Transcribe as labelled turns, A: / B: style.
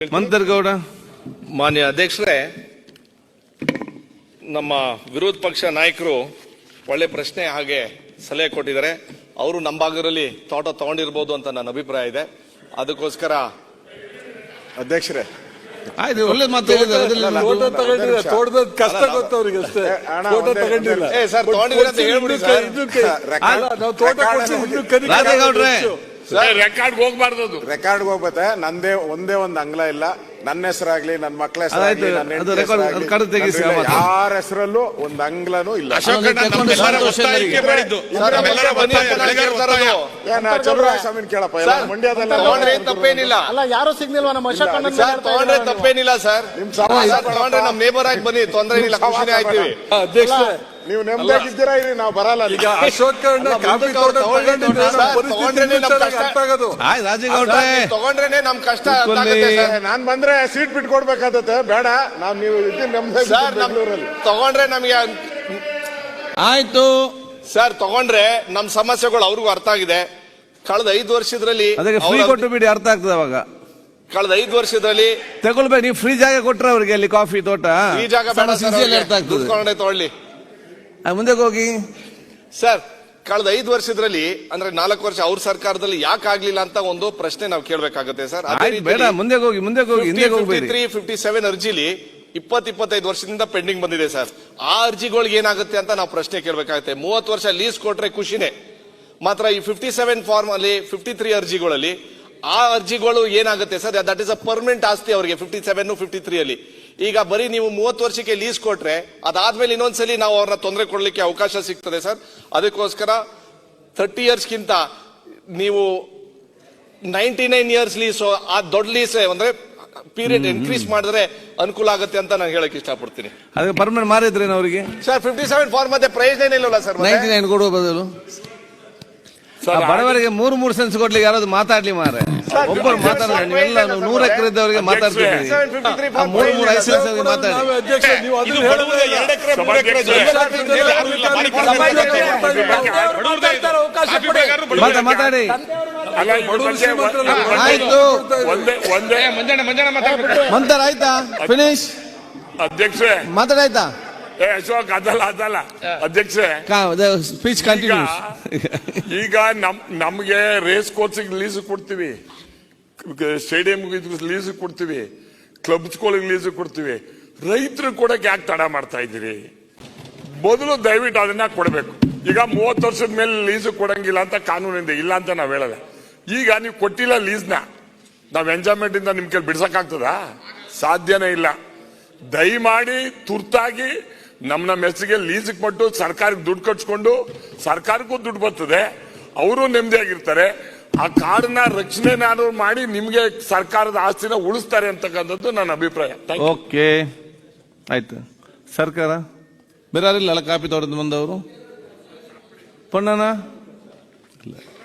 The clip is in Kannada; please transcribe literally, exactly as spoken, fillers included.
A: ಮಂತರ್ಗೌಡ.
B: ಮಾನ್ಯ ಅಧ್ಯಕ್ಷರೇ, ನಮ್ಮ ವಿರೋಧ ಪಕ್ಷ ನಾಯಕರು ಒಳ್ಳೆ ಪ್ರಶ್ನೆ ಹಾಗೆ ಸಲಹೆ ಕೊಟ್ಟಿದ್ದಾರೆ. ಅವರು ನಮ್ಮ ಭಾಗದಲ್ಲಿ ತೋಟ ತಗೊಂಡಿರ್ಬೋದು ಅಂತ ನನ್ನ ಅಭಿಪ್ರಾಯ ಇದೆ. ಅದಕ್ಕೋಸ್ಕರ
C: ಅಧ್ಯಕ್ಷರೇ
A: ಆಯ್ತು, ಒಳ್ಳೆ ಮಾತು
D: ತೋಟದ ಕಷ್ಟ ಗೊತ್ತವ್ರಿಗೆ ಅಷ್ಟೇ. ತೋಟ ತಗೊಂಡಿಲ್ಲ
B: ಸರ್, ತಗೊಂಡಿದ್ರೆ ಅಂತ ಹೇಳ್ಬಿಡಿ ಸರ್.
D: ನಾವು ತೋಟ
A: ರಾಜೇಗೌಡ್ರೆ
C: ರೆಕಾರ್ಡ್ ಹೋಗ್ಬಾರ್ದು, ರೆಕಾರ್ಡ್ ಹೋಗ್ಬತ್ತೆ. ನಂದೇ ಒಂದೇ ಒಂದು ಅಂಗ್ಲ ಇಲ್ಲ, ನನ್ನ ಹೆಸರಾಗ್ಲಿ ನನ್ನ ಮಕ್ಕಳ ಹೆಸರಾಗ್ಲಿ ಯಾರ ಹೆಸರಲ್ಲೂ ಒಂದು ಅಂಗ್ಲನೂ ಇಲ್ಲ. ಚಂದ್ರಸ್ವಾಮಿ ಕೇಳಪ್ಪ,
B: ಮಂಡ್ಯದಲ್ಲಿ ತಪ್ಪೇನಿಲ್ಲ,
E: ಯಾರು ಸಿಗ್ನಿಲ್ವಾ ನಮ್ಮ ಅಶೋಕ್
B: ತಗೊಂಡ್ರೆ ತಪ್ಪೇನಿಲ್ಲ ಸರ್. ನಿಮ್ ತಗೊಂಡ್ರೆ ನಮ್ ನೇಬರ್ ಆಗಿ ಬನ್ನಿ, ತೊಂದರೆ ಇಲ್ಲ, ಖುಷಿನೇ ಆಯ್ತೀವಿ.
D: ಅಧ್ಯಕ್ಷ
C: ನೀವು ನೆಮ್ಮದಿಯಾಗಿದ್ದೀರಾ ಇರಿ, ನಾವು ಬರಲ್ಲ.
D: ಈಗ ಅಶೋಕ್
B: ತಗೊಂಡ್ರೇನೆ ನಮ್ ಕಷ್ಟ.
C: ನಾನ್ ಬಂದ್ರೆ ಸೀಟ್ ಬಿಟ್ಕೊಡ್ಬೇಕಾಗತ್ತೆ, ಬೇಡ ನಾವ್ ನೀವು ಬೆಂಗಳೂರಲ್ಲಿ
B: ತಗೊಂಡ್ರೆ ನಮ್ಗೆ
A: ಆಯ್ತು
B: ಸರ್. ತಗೊಂಡ್ರೆ ನಮ್ ಸಮಸ್ಯೆಗಳು ಅವ್ರಿಗೂ ಅರ್ಥ ಆಗಿದೆ. ಕಳೆದ ಐದು ವರ್ಷದಲ್ಲಿ
A: ಅದಕ್ಕೆ ಫ್ರೀ ಕೊಟ್ಟು ಬಿಡಿ, ಅರ್ಥ ಆಗ್ತದೆ ಅವಾಗ.
B: ಕಳೆದ ಐದು ವರ್ಷದಲ್ಲಿ
A: ತಗೊಳ್ಬೇಕು, ನೀವು ಫ್ರೀ ಜಾಗ ಕೊಟ್ರೆ ಅವ್ರಿಗೆ ಅಲ್ಲಿ ಕಾಫಿ ತೋಟ,
B: ಈ ಜಾಗ
A: ಅರ್ಥ ಆಗ್ತದೆ.
B: ತಗೊಳ್ಳಿ,
A: ಮುಂದೆ ಹೋಗಿ
B: ಸರ್. ಕಳೆದ ಐದು ವರ್ಷದಲ್ಲಿ ಅಂದ್ರೆ ನಾಲ್ಕು ವರ್ಷ ಅವ್ರ ಸರ್ಕಾರದಲ್ಲಿ ಯಾಕೆ ಆಗ್ಲಿಲ್ಲ ಅಂತ ಒಂದು ಪ್ರಶ್ನೆ ನಾವು ಕೇಳಬೇಕಾಗುತ್ತೆ ಸರ್.
A: ಬೇಡ, ಮುಂದೆ ಹೋಗಿ ಮುಂದೆ ಹೋಗಿ ಹಿಂದೆ ಹೋಗ್ಬೇಡಿ.
B: ತ್ರೀ ಫಿಫ್ಟಿ ಸೆವೆನ್ ಅರ್ಜಿಲಿ ಇಪ್ಪತ್ ಇಪ್ಪತ್ತೈದು ವರ್ಷದಿಂದ ಪೆಂಡಿಂಗ್ ಬಂದಿದೆ ಸರ್. ಆ ಅರ್ಜಿಗಳಿಗೆ ಏನಾಗುತ್ತೆ ಅಂತ ನಾವು ಪ್ರಶ್ನೆ ಕೇಳಬೇಕಾಗುತ್ತೆ. ಮೂವತ್ತು ವರ್ಷ ಲೀಸ್ ಕೊಟ್ರೆ ಖುಷಿನೇ, ಮಾತ್ರ ಈ ಫಿಫ್ಟಿ ಸೆವೆನ್ ಫಾರ್ಮ್ ಅಲ್ಲಿ ಫಿಫ್ಟಿ ತ್ರೀ ಅರ್ಜಿಗಳಲ್ಲಿ ಆ ಅರ್ಜಿಗಳು ಏನಾಗುತ್ತೆ sir, that is a permanent ಆಸ್ತಿ ಅವರಿಗೆ. ಫಿಫ್ಟಿ ಸೆವೆನ್ ಫಿಫ್ಟಿ ತ್ರೀ ಅಲ್ಲಿ ಈಗ ಬರೀ ನೀವು ಮೂವತ್ತು ವರ್ಷಕ್ಕೆ ಲೀಸ್ ಕೊಟ್ರೆ ಅದಾದ್ಮೇಲೆ ಇನ್ನೊಂದ್ಸಲಿ ನಾವು ಅವ್ರನ್ನ ತೊಂದರೆ ಕೊಡ್ಲಿಕ್ಕೆ ಅವಕಾಶ ಸಿಗ್ತದೆ ಸರ್. ಅದಕ್ಕೋಸ್ಕರ ಥರ್ಟಿ ಇಯರ್ಸ್ಗಿಂತ ನೀವು ನೈನ್ಟಿ ನೈನ್ ಇಯರ್ಸ್ ಲೀಸ್, ಆ ದೊಡ್ಡ ಲೀಸ್ ಅಂದ್ರೆ ಪೀರಿಯಡ್ ಇನ್ಕ್ರೀಸ್ ಮಾಡಿದ್ರೆ ಅನುಕೂಲ ಆಗುತ್ತೆ ಅಂತ ನಾನು ಹೇಳಕ್ ಇಷ್ಟಪಡ್ತೀನಿ.
A: ಅದಕ್ಕೆ ಪರ್ಮನೆಂಟ್ ಮಾರಿದ್ರೇನು ಅವರಿಗೆ
B: ಸರ್? ಫಿಫ್ಟಿ ಸೆವೆನ್ ಫಾರ್ಮ್ ಮತ್ತೆ ಪ್ರಯೋಜನ ಇಲ್ಲಲ್ಲ ಸರ್.
A: ನೈನ್ಟಿ ನೈನ್ ಕೊಡುವ ಬದಲು ಬಡವರಿಗೆ ಮೂರು ಮೂರು ಸೆನ್ಸ್ ಕೊಡ್ಲಿಕ್ಕೆ ಯಾರಾದ್ರು ಮಾತಾಡ್ಲಿ ಮಾರೆ. ಒಬ್ಬರು ಮಾತಾಡೋಣ, ನೀವೆಲ್ಲ ನೂರ ಎಕರೆ ಇದ್ದವರಿಗೆ ಮಾತಾಡ್ತೀವಿ, ಮೂರು ಮೂರು ಐದು ಸೆನ್ಸ್ ಮಾತಾಡಿ. ಮಾತಾಡಿ ಆಯ್ತು. ಮಂತರ ಆಯ್ತಾ? ಫಿನಿಶ್
C: ಅಧ್ಯಕ್ಷ
A: ಮಾತಾಡಾಯ್ತಾ?
C: ಅಶೋಕ್ ಅದಲ್ಲ ಅದಲ್ಲ ಅಧ್ಯಕ್ಷ,
A: ಸ್ಪೀಚ್ ಕಂಟಿನ್ಯೂಸ್.
C: ಈಗ ನಮ್ ನಮ್ಗೆ ರೇಸ್ ಕೋರ್ಸಿಗೆ ಲೀಸ್ ಕೊಡ್ತೀವಿ, ಸ್ಟೇಡಿಯಂಗೆ ಲೀಸ್ ಕೊಡ್ತೀವಿ, ಕ್ಲಬ್ಸ್ಗಳಿಗೆ ಲೀಸ್ ಕೊಡ್ತೀವಿ. ರೈತರು ಕೊಡಕ್ಕೆ ಯಾಕೆ ತಡ ಮಾಡ್ತಾ ಇದ್ದೀರಿ? ಮೊದಲು ದಯವಿಟ್ಟು ಅದನ್ನ ಕೊಡಬೇಕು. ಈಗ ಮೂವತ್ತು ವರ್ಷದ ಮೇಲೆ ಲೀಸ್ ಕೊಡಂಗಿಲ್ಲ ಅಂತ ಕಾನೂನಿಂದ, ಇಲ್ಲ ಅಂತ ನಾವ್ ಹೇಳಲ್ಲ. ಈಗ ನೀವು ಕೊಟ್ಟಿಲ್ಲ ಲೀಸ್ನ, ನಾವ್ ಎಂಜಾಯ್ಮೆಂಟ್ ಇಂದ ನಿಮ್ ಕೈಲಿ ಬಿಡ್ಸಕ್ಕಾಗ್ತದ? ಸಾಧ್ಯನೇ ಇಲ್ಲ. ದಯಮಾಡಿ ತುರ್ತಾಗಿ ನಮ್ಮ ನಮ್ಮ ಹೆಸರಿಗೆ ಲೀಸ್ಗೆ ಕೊಟ್ಟು ಸರ್ಕಾರಕ್ಕೆ ದುಡ್ಡು ಕಟ್ಸ್ಕೊಂಡು, ಸರ್ಕಾರಕ್ಕೂ ದುಡ್ಡು ಬರ್ತದೆ, ಅವರು ನೆಮ್ಮದಿಯಾಗಿರ್ತಾರೆ. ಆ ಕಾಡನ್ನ ರಕ್ಷಣೆನಾದ್ರು ಮಾಡಿ ನಿಮ್ಗೆ ಸರ್ಕಾರದ ಆಸ್ತಿನ ಉಳಿಸ್ತಾರೆ ಅಂತಕ್ಕಂಥದ್ದು ನನ್ನ ಅಭಿಪ್ರಾಯ.
A: ಓಕೆ ಆಯ್ತು. ಸರ್ಕಾರ ಬೇರೆ ಯಾರಿಲ್ಲ ಕಾಪಿ ತೋಟದ ಬಂದವರು? ಪೊಣ್ಣನ